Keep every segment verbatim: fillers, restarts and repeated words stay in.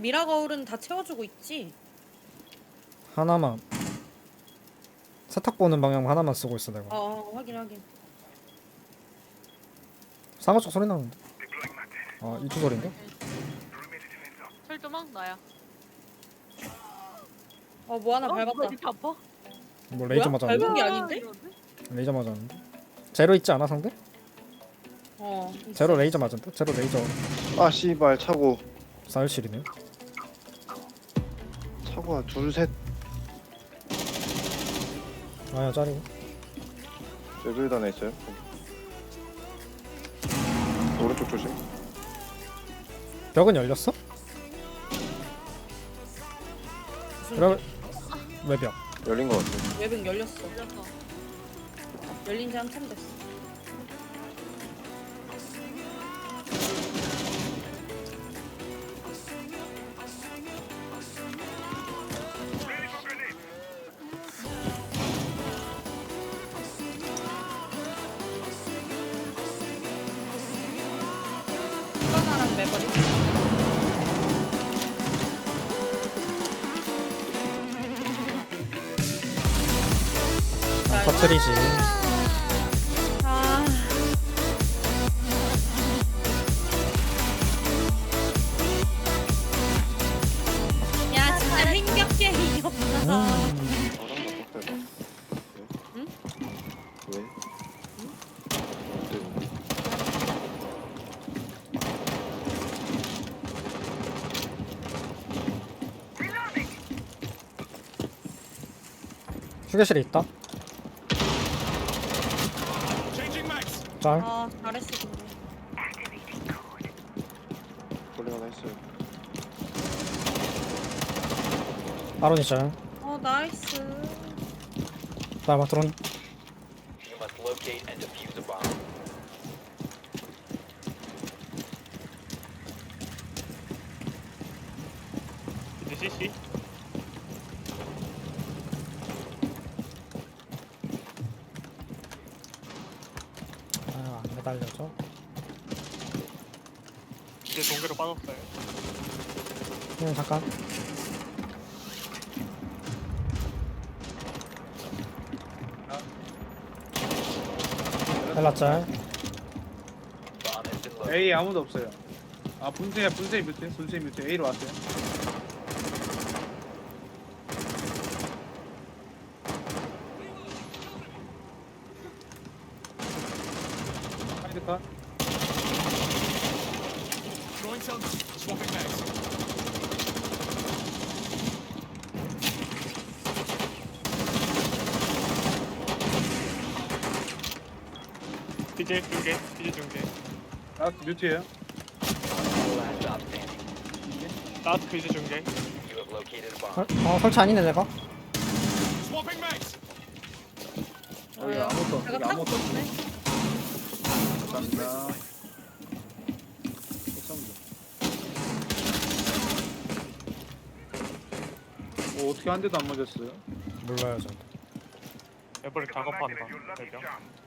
미라 거울은 다 채워주고 있지? 하나만 세탁 보는 방향 하나만 쓰고 있어 내가. 어, 어 확인 확인. 상어 쪽 소리 나는데. 아 이쪽 소리인가? 철조망 나야. 어 뭐 하나 어? 밟았다. 뭐야, 이렇게 아파? 뭐 레이저 뭐야? 맞았는데? 밟은 게 아닌데? 이러는데? 레이저 맞았는데? 제로 있지 않아 상대? 어. 있어. 제로 레이저 맞았는데? 제로 레이저 아 씨발 차고 사일실이네. 차고가 둘셋 아야 짜리고. 여기 하나 있어요. 오른쪽 조심. 벽은 열렸어? 무슨 그럼 왜 벽? 열린 것 같아. 외벽 열렸어. 열렸어. 열린 지 한참 됐어. 하나랑 매버리. 아, 터트리지. 아. 야 진짜 행격게 이겼다. 음. 응? 왜? 휴게실에 있다. 짤. 아 잘했어 근데. 원래 하나 있어요. 아론이 짤. 어 나이스. 나막 드론. You must locate and defuse a bomb. 이제 씨씨. 아안 매달려져. 이제 동계로 빠졌어요. 그냥 잠깐. 헬라 짤. Bomb has been located. A 아무도 없어요. 아 분쇄야 분쇄 뮤트 분쇄 뮤트 A로 왔어요. 사이드 컷. 디제 중계, 디제 중계. 라스트 뮤트예요. Last stop standing. 라스트 디제 중계. You have located a bomb. 설, 어 설치 아니네 내가. 여기 아무것도 내가 여기 타고 아무것도 있네. 감사합니다. 어, 어떻게 한 대도 안 맞았어요? 몰라요 저. 에버리 작업한다. 대장.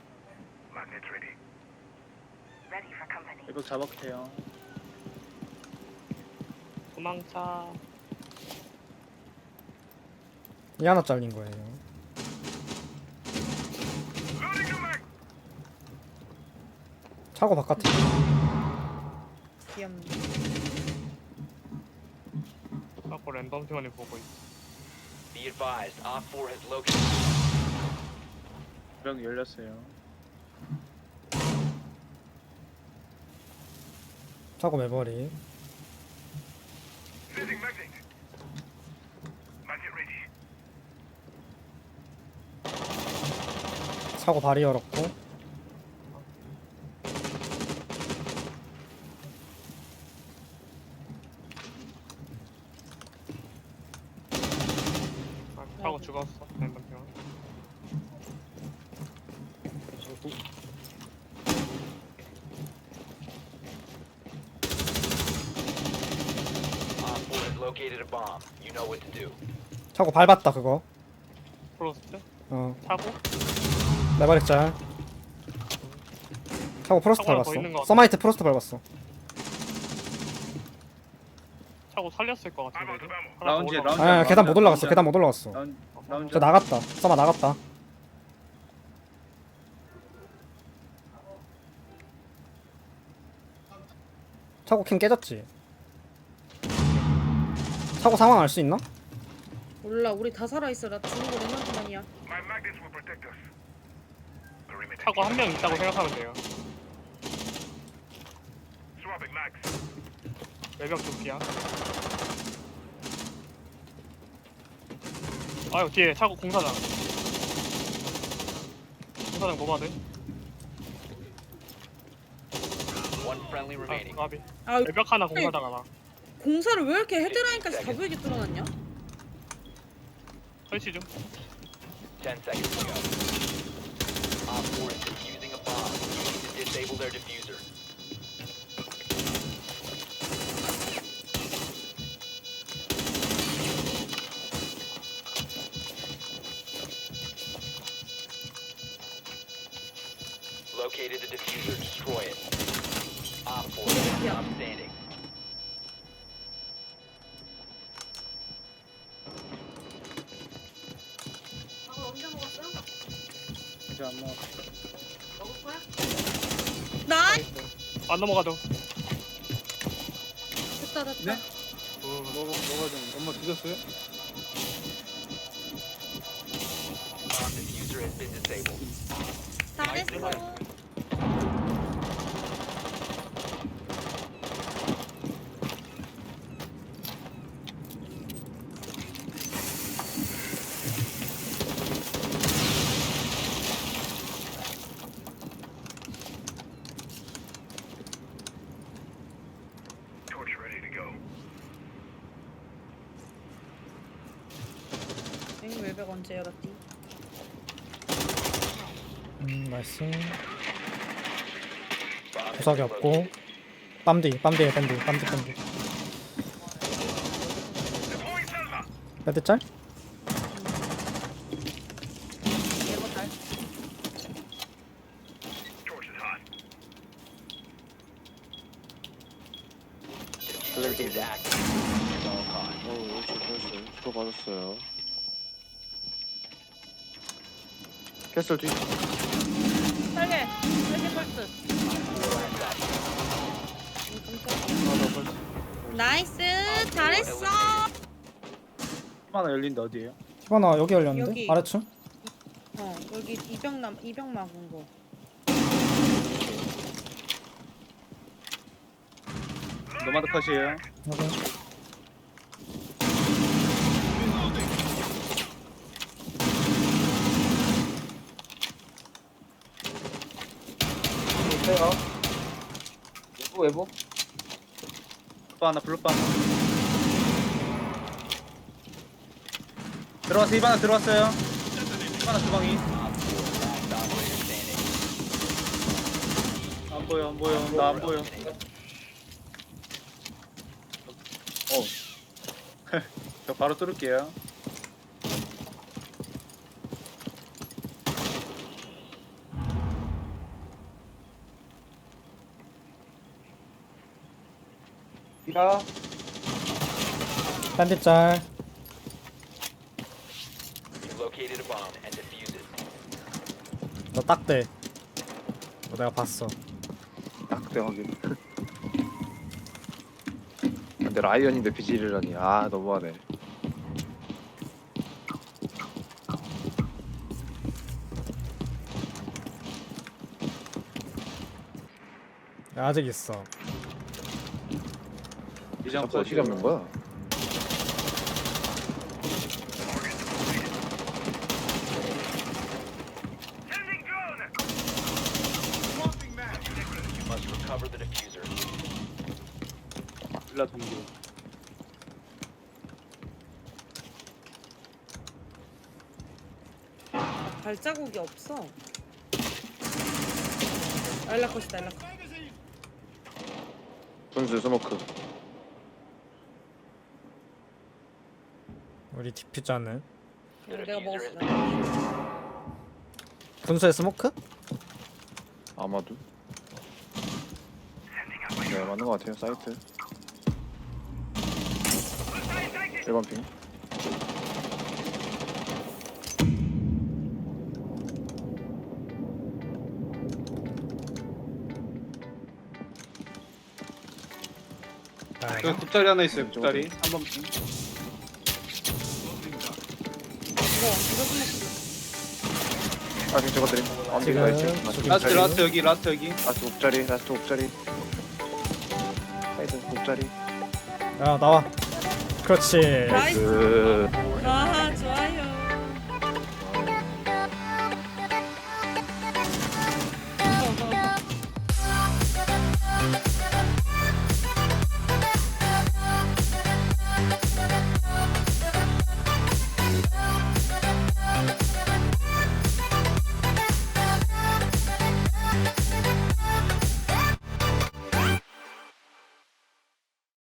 이거 잡았대요. 도망차. 이 하나 잘린 거예요. 차고 바깥에. 귀엽네. 자꾸 랜덤 팀원이 보고 있어. Be advised, Op four has located. 명 열렸어요. 차고 매버리. 차고 발이 열었고. 아, 타고 죽었어. 랜덤 팀원. Op four has located a bomb. You know what to do. 차고 밟았다 그거. 프로스트. 어 타고. 매버릭 짤. 차고 프로스트 차고랑 더 있는 것 밟았어. 같아. 서마이트 프로스트 밟았어. 차고 차고 살렸을 것 같은데. 이거? 하나 더 라운지, 올라가. 라운지. 아 계단 못 올라갔어. 라운지. 계단 못 올라갔어. 라운 라운지. 저 나갔다. 써마 나갔다. 차고 캠 깨졌지? 차고 상황 알 수 있나? 몰라 우리 다 살아있어. 나 죽은 거 내만큼만이야. 차고 한 명 있다고 생각하면 돼요. 외벽 조끼야. 아유 뒤에 차고 공사장. 공사장 노마드. One friendly 아 remaining. 까비. 아 외벽 하나 공사장 하나. 공사를 왜 이렇게 헤드라인까지 다 보이게 뚫어놨냐? 설치 좀. Ten seconds to go. Op four is defusing a bomb. You need to disable their diffuser. Located the diffuser. Destroy it. Op four is Yeah. stop standing. 이제 안 나와. 나이 안 넘어가도. 됐다 됐다. 네? 뭐 뭐가 좀 엄마 드셨어요? Bomb diffuser has been disabled. 잘했어. 앵 외벽 언제 열었디? 음 나이스. Bomb has 구석이 been 없고 located. 빰디 빰디에 빰디 빰디 빰디. 배드 짤? 예거 달. Diffuser is active. At all costs. 어 옳지 옳지. 수고 받았어요. 캐슬 뒤. 빨개. 빨개 펄스. 나이스. 잘했어. 하나 열린데 어디에요? 히바나 여기 열렸는데? 여기. 아래층? 어 여기 이병남 이병 막은 거. 노마드 컷이에요. 여기. 외부 외부 또 하나 블루바 하나. 들어왔어 이바나 들어왔어요. 이바나 주방이. Op four, last operator standing. 안 보여 안 보여 나 안 보여. 어. 저 바로 뚫을게요. 비라 빰디 짤. You've located a bomb and defuse it. 너 딱대. 너 내가 봤어. 딱대 확인. 근데 라이언인데 비질이라니. 아 너무하네. 야, 아직 있어. 이장 자꾸 어떻게 잡는 거야? You must recover the diffuser. 빌라 동료. 발자국이 없어. 알라컷이다 알라컷. 분수 스모크. 우리 디퓨저는 The 내가 diffuser 먹었어. has been 분수의 스모크? 아마도. 네 맞는 것 같아요 사이트. 일 번 핑. 여기 굽자리 하나 있어요. 굽자리 한번 핑. 이거 이거 끝냈어. 아 지금 저거 드림. 언덕 지금 가 있지. 저기 라스트 굽자리. 라스트 여기 라스트 여기. 라스트 옥자리. 라스트 옥자리. 사이드 옥자리. 야 나와. 그렇지. 나이스. 그 아 좋아.